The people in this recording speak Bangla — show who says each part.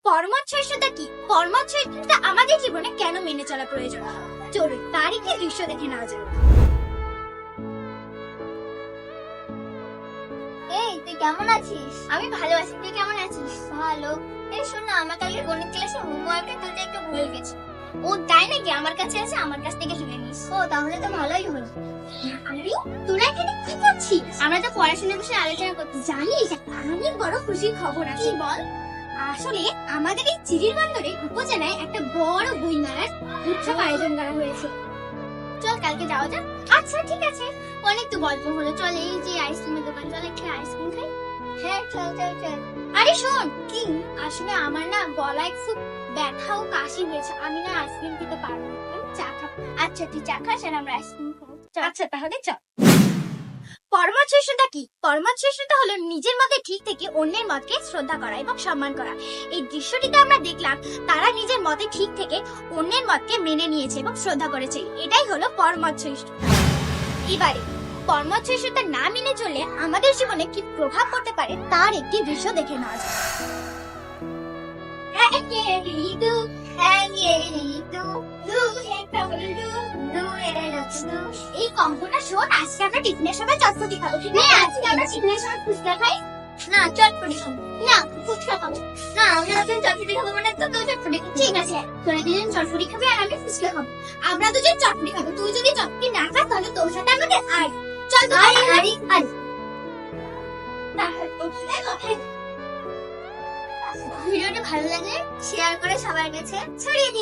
Speaker 1: কর্মচ্ছয়সতা কি? কর্মচ্ছয়সতা আমাদের জীবনে কেন মেনে চলা প্রয়োজন? চলুন তার একটি দৃশ্য দেখে নেওয়া যাক।
Speaker 2: এই তুই কেমন আছিস?
Speaker 1: আমি ভালো আছি, তুই কেমন আছিস?
Speaker 2: ভালো। এই শোন না, আমার কালকে গণিত ক্লাসে হোমওয়ার্কে তুলতে একটু ভুলে গেছি।
Speaker 1: ও তাই নাকি? আমার কাছে আছে, আমার কাছ থেকে তুলে নিস।
Speaker 2: ও তাহলে তো ভালোই হলো।
Speaker 1: আরে তোরা এখানে কি করছিস? আমরা তো পড়াশোনার বিষয়ে আলোচনা করতে। জানিস অনেক বড় খুশির খবর আছে। বল। আসলে আমাদের এই চিরিরবন্দরে উপজেলায় একটা বড় বই মেলার উৎসব আয়োজন করা হয়েছে। চল কালকে যাওয়া যাক। আচ্ছা ঠিক আছে, অনেক তো গল্প হলো, চল এই যে আইসক্রিমের দোকান, চল একটা আইসক্রিম খাই।
Speaker 2: হ্যাঁ চল চল চল।
Speaker 1: আরে শোন কি, আসলে আমার না গলায় খুব ব্যথা ও কাশি হয়েছে, আমি না আইসক্রিম খেতে পারবো না, আমি চা খাবো। আচ্ছা তুই চা খাস আর আমরা আইসক্রিম খাবো। আচ্ছা তাহলে চল। কর্মচ্ছয়সতা কি? কর্মচ্ছয়সতা হলো নিজের মতে ঠিক থেকে অন্যের মতকে শ্রদ্ধা করা এবং সম্মান করা। এই দৃশ্যটিতে আমরা দেখলাম তারা নিজের মতে ঠিক থেকে অন্যের মতকে মেনে নিয়েছে এবং শ্রদ্ধা করেছে, এটাই হলো কর্মচ্ছয়সতা। এবারে কর্মচ্ছয়সতা না মেনে চললে আমাদের জীবনে কি প্রভাব পড়তে পারে তার একটি দৃশ্য দেখে নেওয়া যাক। এই কম্পটা শোন, আজকে আমরা টিফিনের সময় চটপটি খাবো। আজকে আমরা টিফিনের সময় ফুচকা খাই।
Speaker 2: না চটপটি খাবো।
Speaker 1: না ফুচকা খাবো।
Speaker 2: না আমরা দুজন চটপটি খাবো মানে তো তুই চটপটি খাবি।
Speaker 1: ঠিক আছে, তোরা দুজন চটপটি খাবি আর আমি ফুচকা খাবো। আমরা দুজন চটপটি খাবো, তুই যদি চটপটি না খাস তাহলে তোর সাথে আমাদের আর চল তো
Speaker 2: আরে আরে আরে
Speaker 1: ভিডিওটা ভালো লাগলে
Speaker 2: শেয়ার করে সবার কাছে
Speaker 1: ছড়িয়ে